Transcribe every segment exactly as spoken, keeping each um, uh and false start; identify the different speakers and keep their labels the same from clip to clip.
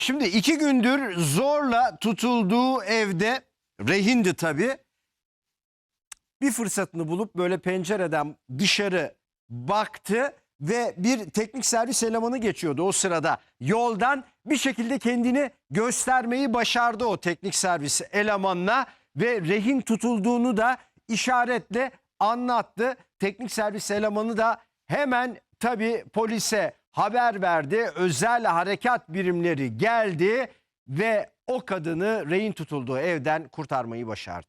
Speaker 1: Şimdi iki gündür zorla tutulduğu evde, rehindi tabii, bir fırsatını bulup böyle pencereden dışarı baktı ve bir teknik servis elemanı geçiyordu o sırada. Yoldan bir şekilde kendini göstermeyi başardı o teknik servis elemanına ve rehin tutulduğunu da işaretle anlattı. Teknik servis elemanı da hemen tabii polise haber verdi. Özel harekat birimleri geldi ve o kadını rehin tutulduğu evden kurtarmayı başardı.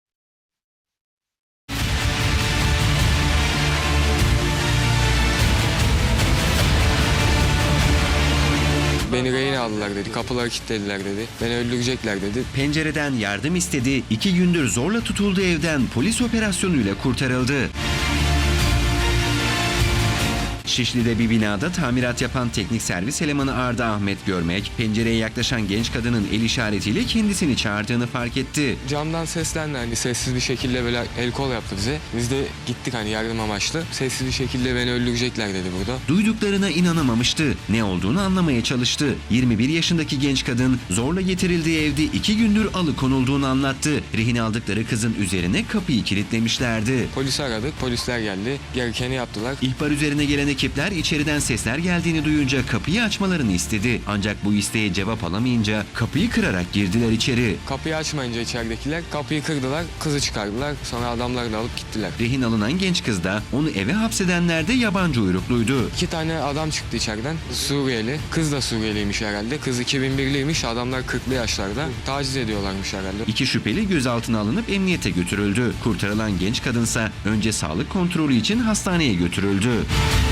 Speaker 2: Beni rehin aldılar dedi, kapıları kilitlediler dedi, beni öldürecekler dedi.
Speaker 3: Pencereden yardım istedi, iki gündür zorla tutulduğu evden polis operasyonuyla kurtarıldı. Şişli'de bir binada tamirat yapan teknik servis elemanı Arda Ahmet Görmek, pencereye yaklaşan genç kadının el işaretiyle kendisini çağırdığını fark etti.
Speaker 2: Camdan seslendi, hani sessiz bir şekilde böyle el kol yaptı bize. Biz de gittik hani yardım amaçlı. Sessiz bir şekilde beni öldürecekler dedi burada.
Speaker 3: Duyduklarına inanamamıştı. Ne olduğunu anlamaya çalıştı. yirmi bir yaşındaki genç kadın zorla getirildiği evde iki gündür alıkonulduğunu anlattı. Rehin aldıkları kızın üzerine kapıyı kilitlemişlerdi.
Speaker 2: Polisi aradık, polisler geldi. Gerekeni yaptılar.
Speaker 3: İhbar üzerine gelen ekipler içeriden sesler geldiğini duyunca kapıyı açmalarını istedi. Ancak bu isteğe cevap alamayınca kapıyı kırarak girdiler içeri.
Speaker 2: Kapıyı açmayınca içeridekiler kapıyı kırdılar, kızı çıkardılar. Sonra adamları da alıp gittiler.
Speaker 3: Rehin alınan genç kız da onu eve hapsedenler de yabancı uyrukluydu.
Speaker 2: İki tane adam çıktı içeriden. Suriyeli. Kız da Suriyeliymiş herhalde. Kız iki bin birliymiş. Adamlar kırklı yaşlarda. Taciz ediyorlarmış herhalde.
Speaker 3: İki şüpheli gözaltına alınıp emniyete götürüldü. Kurtarılan genç kadınsa önce sağlık kontrolü için hastaneye götürüldü.